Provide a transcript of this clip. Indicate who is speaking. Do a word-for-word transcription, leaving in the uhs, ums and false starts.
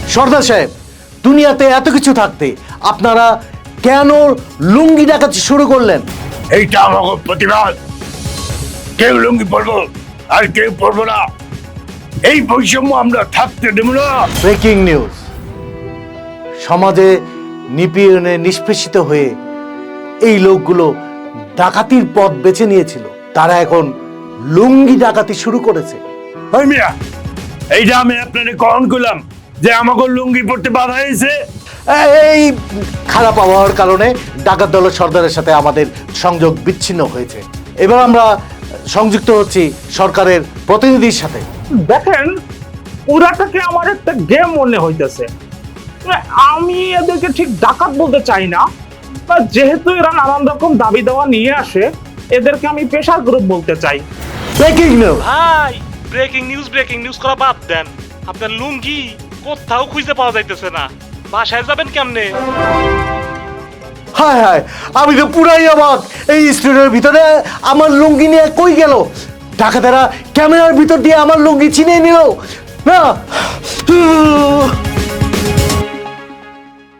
Speaker 1: সর্দার সাহেব, দুনিয়াতে এত কিছু থাকতে আপনারা কেন লুঙ্গি ডাকাতি শুরু করলেন?
Speaker 2: এইটা আমাকে প্রতিবাদ। কেউ লুঙ্গি পরবো আর কেউ পরবো না, এই বৈষম্য আমরা থাকতে দেব না।
Speaker 1: ব্রেকিং নিউজ, সমাজে নিপীড়নে নিষ্পেষিত হয়ে এই লোকগুলো ডাকাতির পথ বেছে নিয়েছিল, তারা এখন লুঙ্গি ডাকাতি শুরু করেছে।
Speaker 2: ওই মিয়া, এইটা আমি আপনাকে কখন করলাম যে আমাকে লুঙ্গি পরতে বাধা হয়েছে?
Speaker 1: এই খারাপ আবহাওয়ার কারণে ডাকাত দলের সর্দারের সাথে আমাদের সংযোগ বিচ্ছিন্ন হয়েছে। এবার আমরা সংযুক্ত হচ্ছি সরকারের প্রতিনিধির সাথে।
Speaker 3: দেখেন, ওরাটাকে আমার একটা গেম মনে হইতেছে। আমি এদেরকে ঠিক ডাকাত বলতে চাই না, যেহেতু এরা নানান রকম দাবি দেওয়া নিয়ে আসে, এদেরকে আমি পেশার গ্রুপ বলতে চাই।
Speaker 1: ব্রেকিং নিউজ
Speaker 4: ভাই, ব্রেকিং নিউজ ব্রেকিং নিউজ করা বাদ দেন। আপনার লুঙ্গি কোথাও খুঁজে পাওয়া যাইতেছে না, বাসায় যাবেন কেমনে?
Speaker 1: হায় হায়, আমি তো পুরাই অবাক। এই স্টুডিওর ভিতরে আমার লুঙ্গি নিয়ে কই গেল? ডাকাতেরা ক্যামেরার ভিতর দিয়ে আমার লুঙ্গি ছিনিয়ে নিল না।